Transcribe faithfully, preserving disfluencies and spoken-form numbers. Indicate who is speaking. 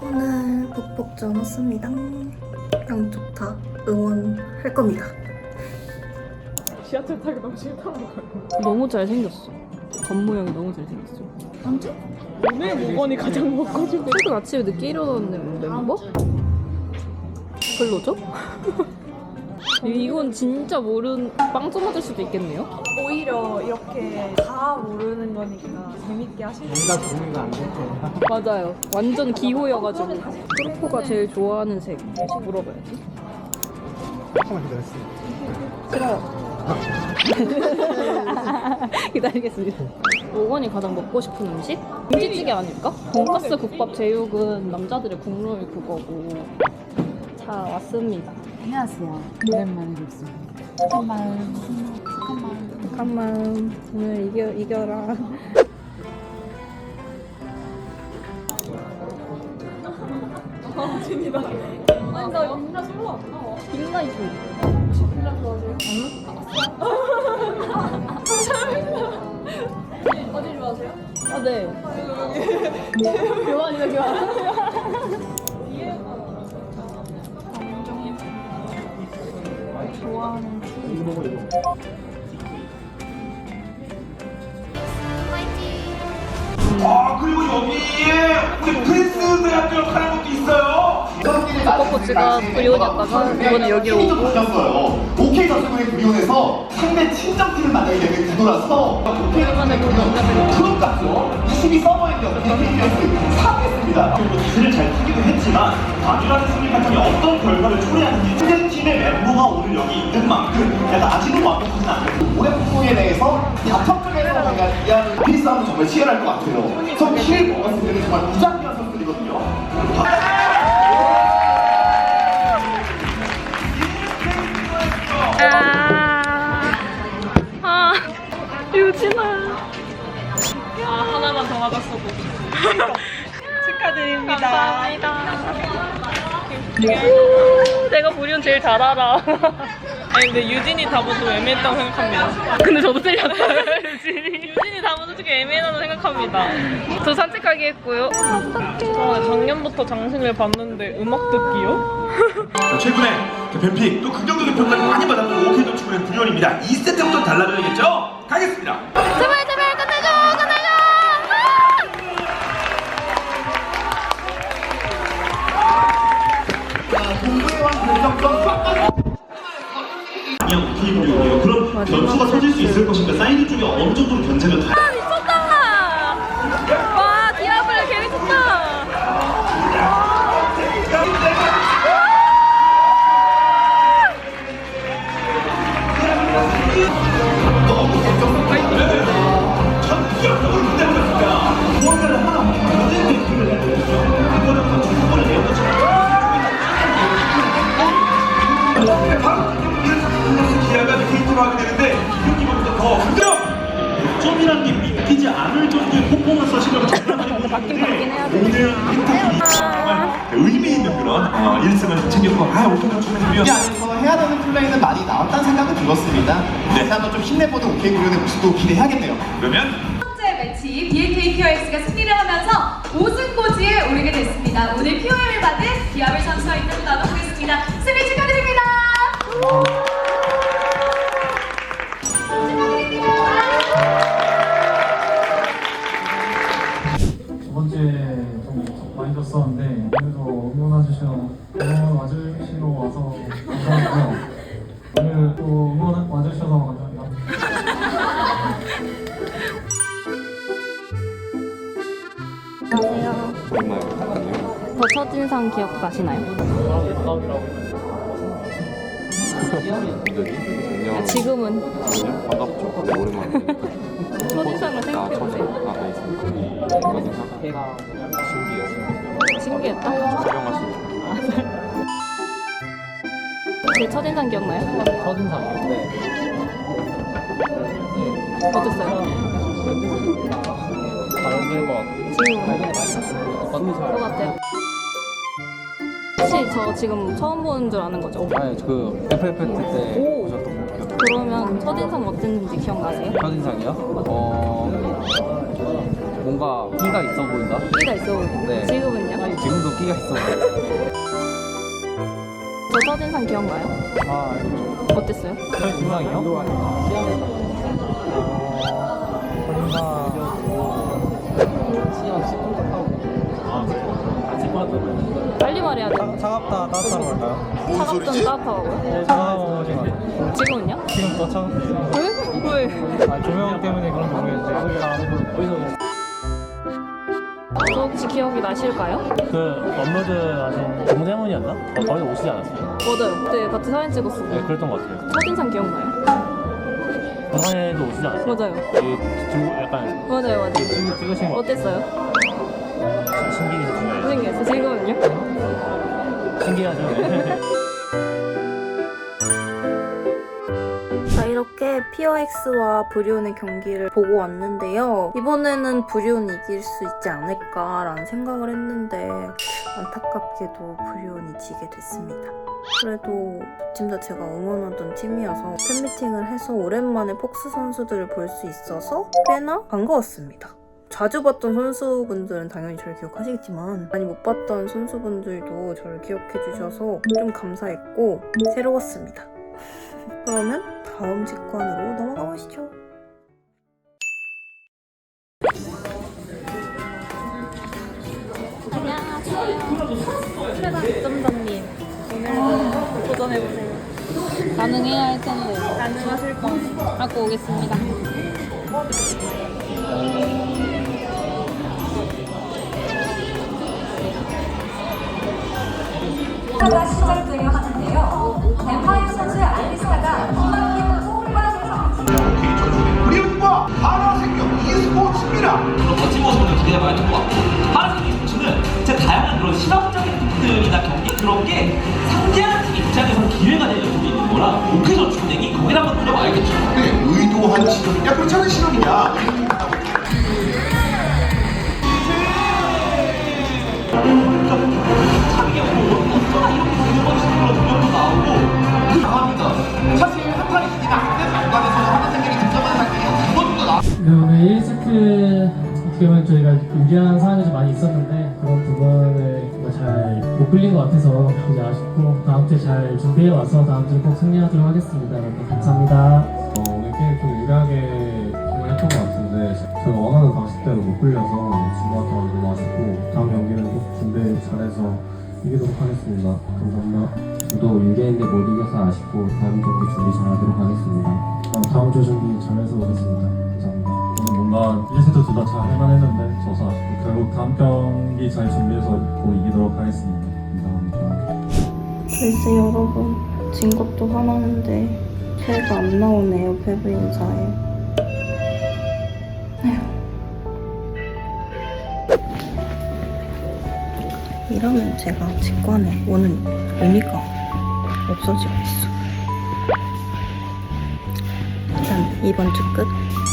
Speaker 1: 오늘 북복전 왔습니다. 양쪽 다 응원할 겁니다.
Speaker 2: 지하철 타기 너무 싫다는 거예요.
Speaker 3: 너무 잘생겼어. 겉모양이 너무 잘생겼어.
Speaker 1: 언제?
Speaker 2: 오늘 모건이 가장 먹고 싶은
Speaker 3: 최근 아침에 늦게 일어났는 멤버? 별로죠? 이- 이건 진짜 모르는 빵점 맞을 수도 있겠네요?
Speaker 2: 오히려 이렇게 다 모르는 거니까 재밌게 하시는
Speaker 4: 뭔가 정리가 안 될 거야.
Speaker 3: 맞아요. 완전 기호여가지고. 프로포가 제일 좋아하는 색 물어봐야지.
Speaker 4: 조금만 기다렸어.
Speaker 3: 싫어요. 기다리겠습니다. 오건이 가장 먹고 싶은 음식? 김치찌개 아닐까? 돈가스, 국밥, 제육은 남자들의 국룰 그거고. 자, 왔습니다.
Speaker 5: 안녕하세요. 오랜만에 뵙습니다. 잠깐만. 잠깐만.
Speaker 3: 잠깐만. 오늘 이겨, 이겨라.
Speaker 2: 아, 진이다. 아니, 나 영자 솔로 안 나와.
Speaker 3: 빅나 이거.
Speaker 2: 혹시 빌라 좋아하세요? 어디 좋아하세요?
Speaker 3: 아, 네. 교환이다, 교환.
Speaker 5: 좋아하는
Speaker 6: 아 그리고 여기에 우리 프린스 대학교 하는 것도 있어요.
Speaker 3: 벚꽃지가 브리온이었다가 이번에 여기로 오고
Speaker 6: 바뀌었어요. 오케이 저축은행 브리온에서 상대 친정팀을 만나게 되는 구도라서 오케이만의 클럽 같죠. 이십이 서버인데 어떻게 사겠습니다. 기세를 잘 타기도 했지만 단일화된 승리 패턴이 어떤 결과를 초래하는지 상대팀의 멤버가 오늘 여기 있는 만큼 약간 아직은 완벽하진 않아요. 올해 폭풍에 대해서 바텀 쪽에서 뭔가 이해하는 피리 싸움은 정말 치열할 것 같아요. 저 키를 먹었을 때는 정말 무장기한 선수들이거든요.
Speaker 3: 아, 유진아.
Speaker 2: 아, 하나만 더 맞았어도. 축하드립니다.
Speaker 3: 감사합니다. 우, 내가 보리온 제일 잘 알아.
Speaker 2: 아니, 근데 유진이 답은 좀 애매했다고 생각합니다.
Speaker 3: 근데 저도 틀렸어요, 유진이.
Speaker 2: 유진이 답은 솔직히 애매하다고 생각합니다.
Speaker 3: 저 산책하기 했고요.
Speaker 2: 저 작년부터 장신을 봤는데 음악 듣기요?
Speaker 6: 최근에 뱀픽 또 긍정적인 평가를 많이 받았던 오케이 저축은행 브리온입니다. 이 세트부터 달라져야겠죠? 가겠습니다.
Speaker 3: 제발, 제발, 끝내줘, 끝내줘!
Speaker 6: 그냥 오케이 브리온이에요. 그럼 변수가 터질 수 있을 것인가? 사이드 쪽에 어느 정도로 견제가 다
Speaker 3: 아, 미쳤다! 와, 디아블레 개 미쳤다!
Speaker 6: 너무 걱정스럽다. 전 기억력을 못해보겠습니다. 무언가를 하나 모든 뱅크를 해야 되거든요. 이거는 충분히 내어놓지 바로 플러스 기아가 케이트로 하게 되는데 이기보다 더 긍정! 점이라는 게 믿기지 않을 정도의 퍼포먼스 실력을 장난하게 보여주는데 오늘 힌트들이 정말 의미 있는 그런 어, 일 승을 챙겨서 아 오케이 저축은행이면
Speaker 7: 이 안에서 해야 되는 플레이는 많이 나왔다는 생각은 들었습니다. 다시 한번 좀 힘내보는 오케이 브리온의 모습도 기대해야겠네요.
Speaker 6: 그러면
Speaker 8: 첫 번째 매치 비엔케이 큐알엑스가 승리를 하면서 우승 고지에 오르게 됐습니다. 오늘 큐엠을 받은 디아블 선수와 인터뷰 나눠보겠습니다. 승리 축하드립니다.
Speaker 4: 두 번째 좀 많이 졌었는데 오늘도 응원해주시러 응원 와주시러 와서 감사하고요. 오늘 또 응원 와주셔서 감사합니다.
Speaker 3: 안녕하세요. 저 첫인상 기억나시나요? 아, 지금은
Speaker 9: 반갑죠. 네, 오랜만에.
Speaker 3: 첫인상을 생각해보세요.
Speaker 9: 아, 네, 있습니다. 첫인상? 해가 신기했어요.
Speaker 3: 신기했다?
Speaker 9: 촬영하시니까.
Speaker 3: 제 첫인상 기억나요?
Speaker 4: 첫인상이요? 네.
Speaker 3: 어땠어요?
Speaker 4: 다른 것 같아요.
Speaker 3: 지금 것 같아요. 혹시 저 지금 처음 보는 줄 아는 거죠?
Speaker 9: 아니, 그 에프에프티 때
Speaker 3: 오.
Speaker 9: 보셨던 거 기억.
Speaker 3: 그러면 첫인상 어땠는지 기억나세요?
Speaker 9: 첫인상이요? 어. 뭔가 끼가 있어 보인다.
Speaker 3: 끼가 있어 보이는데
Speaker 9: 네.
Speaker 3: 지금은요?
Speaker 9: 지금도 끼가 있어 보여.
Speaker 3: 저 첫인상 기억나요?
Speaker 4: 아,
Speaker 3: 어땠어요?
Speaker 9: 인상이요?
Speaker 3: 빨리 말해야 돼.
Speaker 4: 차갑다, 따뜻하다 할까요?
Speaker 3: 차갑든 따뜻하고요?
Speaker 4: 네, 차가워진 것 같아요.
Speaker 3: 지금은요?
Speaker 4: 지금 더 차갑네요.
Speaker 3: 왜? 왜?
Speaker 4: 아, 조명 때문에 그런 지 모르겠는데.
Speaker 3: 저 혹시 기억이 나실까요?
Speaker 10: 그 업로드 하신 동대문이었나? 어, 거기 오시지 않았어요?
Speaker 3: 맞아요. 그때 같이 사진 찍었어요.
Speaker 10: 네, 그랬던 것 같아요.
Speaker 3: 첫인상 기억나요?
Speaker 10: 부산에도 오시지 않았어요?
Speaker 3: 맞아요.
Speaker 10: 이 중국 약간
Speaker 3: 맞아요, 맞아요.
Speaker 10: 찍- 찍으신 거
Speaker 3: 어땠어요?
Speaker 10: 신기했어요.
Speaker 3: 생겼어요. 지금은요?
Speaker 10: 신기하죠? 네.
Speaker 1: 자, 이렇게 피어엑스와 브리온의 경기를 보고 왔는데요. 이번에는 브리온이 이길 수 있지 않을까라는 생각을 했는데 안타깝게도 브리온이 지게 됐습니다. 그래도 둘 다 제가 응원하던 팀이어서 팬미팅을 해서 오랜만에 폭스 선수들을 볼 수 있어서 꽤나 반가웠습니다. 자주 봤던 선수분들은 당연히 저를 기억하시겠지만 많이 못 봤던 선수분들도 저를 기억해주셔서 좀 감사했고 새로웠습니다. 그러면 다음 직관으로 넘어가 보시죠.
Speaker 3: 안녕하세요. 최강 득점자님. 오늘도 도전해보세요. 가능해야 할 텐데. 가능하실 거 갖고 오겠습니다.
Speaker 8: 가 시작되려 하는데요. 뱀파이어 선수의 알리스타가 기막힌 호흡과
Speaker 6: 브리온과 하나생명 e스포츠입니다.
Speaker 11: 그런 멋진 모습을 기대해봐야 될 것 같고 하나생명 e스포츠는 제 다양한 그런 실험적인 부분들이나 경기 그런 게 상대하는 팀 입장에서는 기회가 될 부분이 있는 거라 오케이 전출되기 거기를 한번 노려봐야겠죠.
Speaker 6: 네, 의도한 실험이냐 그렇지 않은 실험이냐.
Speaker 11: 자기가 뭐 어쩌다 이렇게 되는 건지 그런 동영도 나오고
Speaker 6: 당합니다. 사실 한 판이 이기나 안 되는 중간에서 하나생명이 득점하는 상황이 두 번도 나.
Speaker 4: 네, 오늘 일 세트 어떻게 보면 저희가 유리한 상황이 좀 많이 있었는데 그런 부분을 잘 못 끌린 것 같아서 이제 아쉽고 다음 주에 잘 준비해 와서 다음 주에 꼭 승리하도록 하겠습니다. 여러분 감사합니다.
Speaker 12: 어, 오늘 게임 좀 유리하게 경을 했던 것 같은데 저희가 원하는 방식대로 못 끌려서 진것 같아서 너무 아쉽고 다음 경기는 꼭 준비 잘해서 이기도록 하겠습니다. 감사합니다.
Speaker 9: 저도 유리했는데 못 이겨서 아쉽고 다음 경기 준비 잘하도록 하겠습니다.
Speaker 12: 어, 다음 주 준비 잘해서 오겠습니다. 감사합니다. 오늘 뭔가 일 세트 둘 다 잘 할만했는데 져서 아쉽고 결국 다음 경기 잘 준비해서 꼭 이기도록 하겠습니다. 감사합니다.
Speaker 1: 글쎄 여러분, 진 것도 화나는데 패가 안 나오네요. 패배 인사에. 에휴. 이러면 제가 직관에 오는 의미가 없어지고 있어. 일단 이번 주 끝.